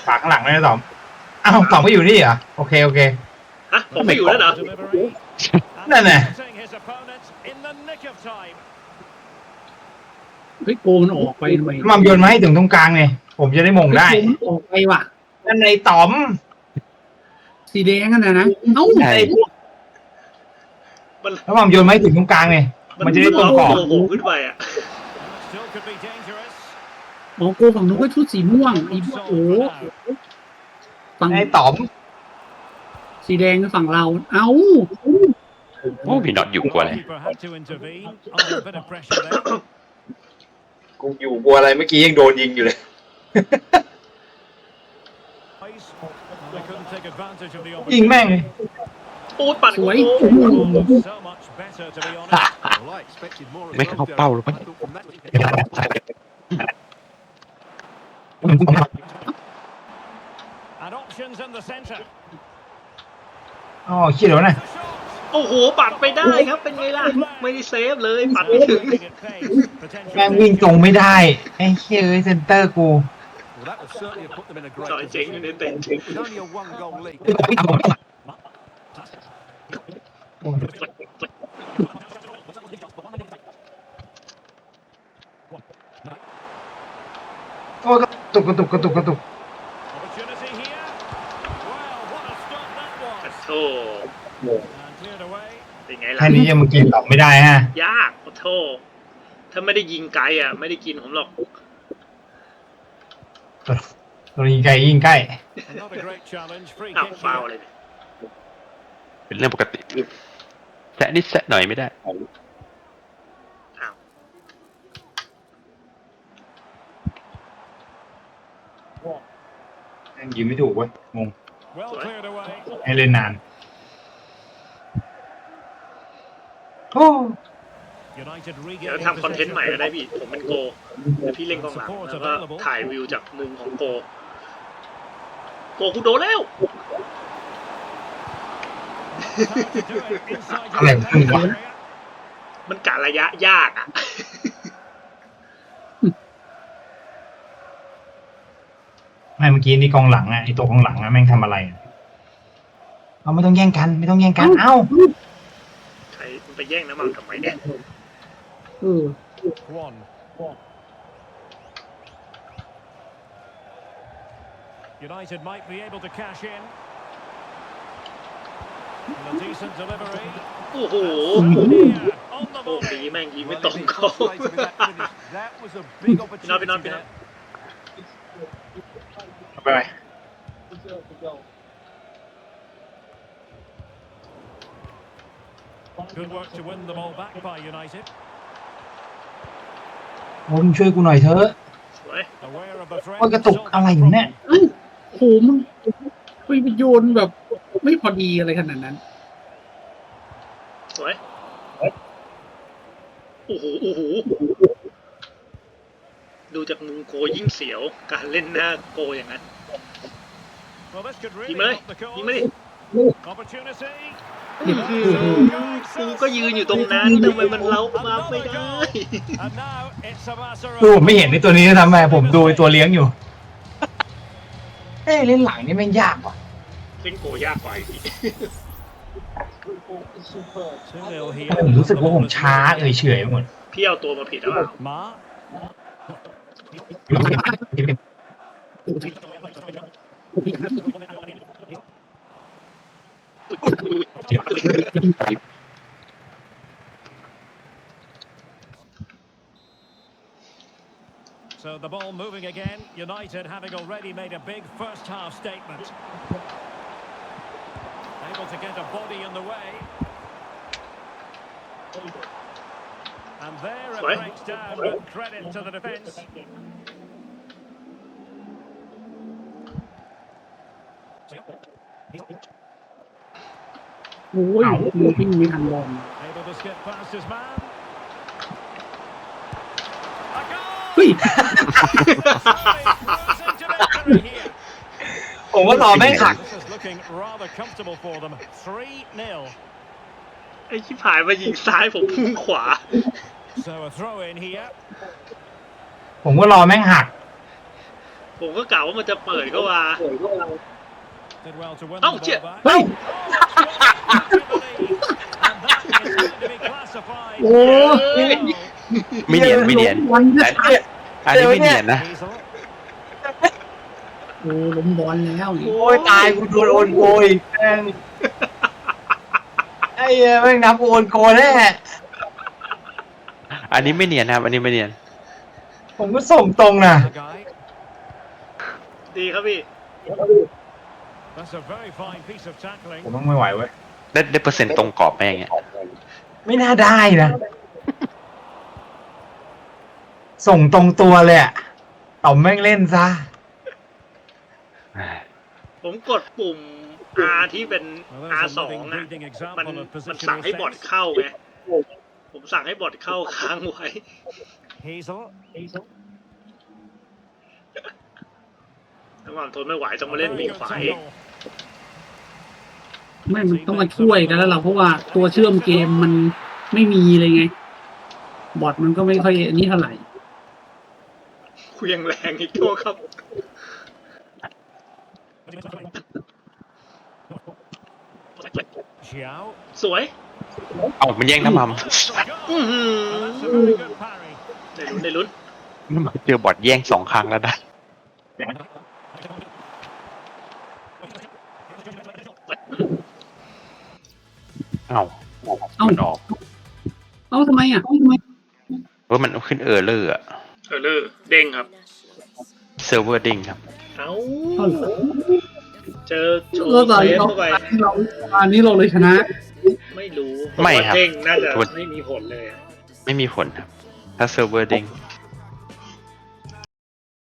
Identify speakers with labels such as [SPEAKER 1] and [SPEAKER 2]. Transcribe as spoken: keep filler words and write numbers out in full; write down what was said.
[SPEAKER 1] ฝากข้างหลังด้วยนะต๋อมอ้าวต๋อมก็อยู่นี่เหรอโอเคโอเค
[SPEAKER 2] ฮะผมไม่อยู่แล้วเหรอ
[SPEAKER 1] นั่นแหละ
[SPEAKER 3] เฮ้ยโกมันออกไปทำไม
[SPEAKER 1] มัมโยนมาให้ถึงตรงกลางไงผมจะได้มงได้
[SPEAKER 3] ออกไปว่ะ
[SPEAKER 1] นั่นในต๋อม
[SPEAKER 3] สีแดงกันนะนะเอ้า
[SPEAKER 1] แล้วมัมโยนมาให้ถึงตรงกลางไงมันจะได้ตรงกรอบ
[SPEAKER 2] โอ้โหขึ้นไปอ่ะ
[SPEAKER 3] อ๋อโกฝั่งนู้นก็ชุดสีม่วงอีพวกโอ้ฝั่ง
[SPEAKER 1] ในต๋อม
[SPEAKER 3] สีแดงฝั่งเราเอ้า
[SPEAKER 4] โอ้พี่น็อตอยู่กว่าเลย
[SPEAKER 1] กูอยู่กลัวอะไรเมื่อกี้ยังโดนยิงอยู่เลยยิงแม่งเลย
[SPEAKER 2] โอ้ปั่น
[SPEAKER 3] สวย
[SPEAKER 4] ไม่เข้าเป้าหรือเปล่า
[SPEAKER 1] อ๋อคิดแล้วนะ
[SPEAKER 2] โอ้โหปัดไปได้ครับเป็นไงล่ะไม่ได้เซฟเลยปัดไม่ถึง
[SPEAKER 1] แม่งวิ่งตรงไม่ได้ไอ้เฮ้ยเซนเตอร์กู
[SPEAKER 2] จอยเจ๋งอยู่ในเต็นท์
[SPEAKER 1] โอ้กระตุกกระตุกกระตุกกระตุก
[SPEAKER 2] โอ้เป็นไงล่ะ
[SPEAKER 1] แค่นี้ยังมากินต๋อมไม่ได้ฮะ
[SPEAKER 2] ยากโอ้โธ่ถ้าไม่ได้ยิงไกลอ่ะไม่ได้กินผมหรอก
[SPEAKER 1] ตัวยิงไกลยิงใกล้
[SPEAKER 2] อ้าวฟาวเลย
[SPEAKER 4] เป็นเรื่องปกติแซะนิดแซะหน่อยไม่ได้
[SPEAKER 2] อ้าว
[SPEAKER 1] ยังยิงไม่ถูกเว้ยงงให้เล่นนานโอ้
[SPEAKER 2] เดี๋ยวทำคอนเทนต์ใหม่ก็ได้พี่ผมเป็นโกแล้วพี่เล่นกองหลังแล้วก็ถ่ายวิวจากมุมของโกโกกูโดนแล้ว
[SPEAKER 1] อะไรขึ้นวะ
[SPEAKER 2] มันกะระยะยากอ่ะ
[SPEAKER 1] ไม่เมื่อกี้นี่กองหลังอ่ะไอตัวกองหลังอ่ะแม่งทำอะไรเอาไม่ต้องแย่งกันไม่ต้องแย่งกันเอ้า
[SPEAKER 2] ใครไปแย่งน้ำมันทำไมเนี่ย
[SPEAKER 3] เออ
[SPEAKER 2] United might be able to cash in. A decent delivery. โอ้โหโอ้ปีแม่งยิงไม่ตรงเขาพี่น้องพี่น้องพี่น้อง
[SPEAKER 1] ไปไปGood work to win the ball back by United. มึงช่วยกูหน่อยเถอะว่ากระตุกอะไรอยู่เนี่ย
[SPEAKER 3] โหมันไปโยนแบบไม่พอดีอะไรขนาดนั้น
[SPEAKER 2] สวยโอ้โหโอ้โหดูจากมุมโกยิ่งเสียวการเล่นหน้าโกอย่างนั้นยิงมาเลยยิงมาดิกูก็ยืนอยู่ตรงนั้นทำไมมันเล้ามาไม่ได้
[SPEAKER 1] ดูผมไม่เห็นในตัวนี้ทำไมผมดูตัวเลี้ยงอยู่เอ้เล่นหลังนี่แม่งยากว่ะ
[SPEAKER 2] เล่นโกยากกว่าอีก
[SPEAKER 1] ผมรู้สึกว่าผมช้าเอ่ยเฉยหมด
[SPEAKER 2] พี่เอาตัวมาผิดหรือเปล่า
[SPEAKER 5] So the ball moving again. United having already made a big first half statement. Able to get a body in the way. And there it breaks down, but credit to the defence.
[SPEAKER 3] โอ้ยมือวิ่งไม่ทันบอล
[SPEAKER 5] Able to skip past his man.
[SPEAKER 3] เฮ้ย
[SPEAKER 1] ผมว่าต่อไม่ขัด
[SPEAKER 2] ไอ้ชิบหายมายิงซ้ายผมพุ่งขวา
[SPEAKER 1] ผมก็รอแม่งหัก
[SPEAKER 2] ผมก็กล่าวว่ามันจะเปิดเข้ามา
[SPEAKER 5] Did well to win
[SPEAKER 2] Oh,
[SPEAKER 5] the ball
[SPEAKER 2] shit.
[SPEAKER 5] back.
[SPEAKER 3] เฮ้ย
[SPEAKER 5] And that is going to be classified.
[SPEAKER 3] โอ้
[SPEAKER 2] เฮ้ย
[SPEAKER 4] ไม่เนียนไม่เนียน
[SPEAKER 3] วันนี้
[SPEAKER 4] อันนี้ไม่เนียนนะ
[SPEAKER 5] Hazel.
[SPEAKER 3] โอ้ล้มบอลแล้วนี่
[SPEAKER 1] โอ้ยตายกูโดนโอนโกยแม่งไอ้เหี้ยแม่งนับกูโอนโกแน่
[SPEAKER 4] อันนี้ไม่เนียนนะครับ อันนี้ไม่เนียน
[SPEAKER 1] ผมก็ส่งตรงนะ
[SPEAKER 5] Guy.
[SPEAKER 2] ดีครับพี่
[SPEAKER 5] That's a very fine piece of tackling.
[SPEAKER 1] ผมต้องไม่ไหวเว้ย
[SPEAKER 4] ได้ได้เปอร์เซ็นต์ตรงกรอบไหมอย่างเงี้ย
[SPEAKER 1] ไม่น่าได้นะส่งตรงตัวเลยอะต่อมแม่งเล่นซะ
[SPEAKER 2] ผมกดปุ่ม R ที่เป็น
[SPEAKER 5] Well,
[SPEAKER 2] R
[SPEAKER 5] there's
[SPEAKER 2] ส
[SPEAKER 5] a
[SPEAKER 2] อง
[SPEAKER 5] living,
[SPEAKER 2] อ่ะ
[SPEAKER 5] breathing
[SPEAKER 2] มัน
[SPEAKER 5] example of
[SPEAKER 2] มันสั่ง
[SPEAKER 5] positional
[SPEAKER 2] ให้บอท
[SPEAKER 5] sense.
[SPEAKER 2] เข้าไง ผมสั่งให้บอทเข้าค้างไว้
[SPEAKER 5] Hazel. Hazel.
[SPEAKER 2] ถ้าความทนไม่ไหวต้องมาเล่น
[SPEAKER 5] Very
[SPEAKER 2] ปีก
[SPEAKER 5] good
[SPEAKER 2] ฝ่าย
[SPEAKER 5] tackle.
[SPEAKER 3] ไม่มันต้องมาช่วยกันแล้วเราเพราะว่าตัวเชื่อมเกมมันไม่มีเลยไง บอทมันก็ไม่ค่อยอันนี้เท่าไหร่
[SPEAKER 2] คุยยังแรงอีกตัวครับ
[SPEAKER 5] Xiao.
[SPEAKER 2] สวย
[SPEAKER 4] เอ้ามันแย่งน้ำมัน
[SPEAKER 2] อื้อหือ
[SPEAKER 5] That's a very good parry.
[SPEAKER 2] ได้ลุ้นได้ลุ้น
[SPEAKER 4] เจอบอดแย่งสองครั้งแล้วนะเอ้า
[SPEAKER 3] เอ้า
[SPEAKER 4] มันออก
[SPEAKER 3] เอ้าทำไมอ่ะเอ้าทำไม
[SPEAKER 4] เพราะมันขึ้นเออร์เลอร์อะ
[SPEAKER 2] เออเลอร์เด้งครับ
[SPEAKER 4] เซิร์ฟเวอร์ดิ้งครับ
[SPEAKER 2] เอ้า
[SPEAKER 3] เอ้าเหรอ
[SPEAKER 2] เจอโช
[SPEAKER 3] เออ
[SPEAKER 2] ว์
[SPEAKER 3] ตอน
[SPEAKER 2] เซ
[SPEAKER 3] นี้
[SPEAKER 2] ฟ
[SPEAKER 3] เรา
[SPEAKER 2] เข้าไป
[SPEAKER 3] เราอันนี้เราเลยชนะ
[SPEAKER 2] ไม่รู้
[SPEAKER 4] ไม่
[SPEAKER 2] ผว่า
[SPEAKER 4] ครับ
[SPEAKER 2] เด้งน่าจะไม่มีผลเลยอะ
[SPEAKER 4] ไม่มีผลครับ ถ้าเซิร์ฟเวอร์ดิ้ง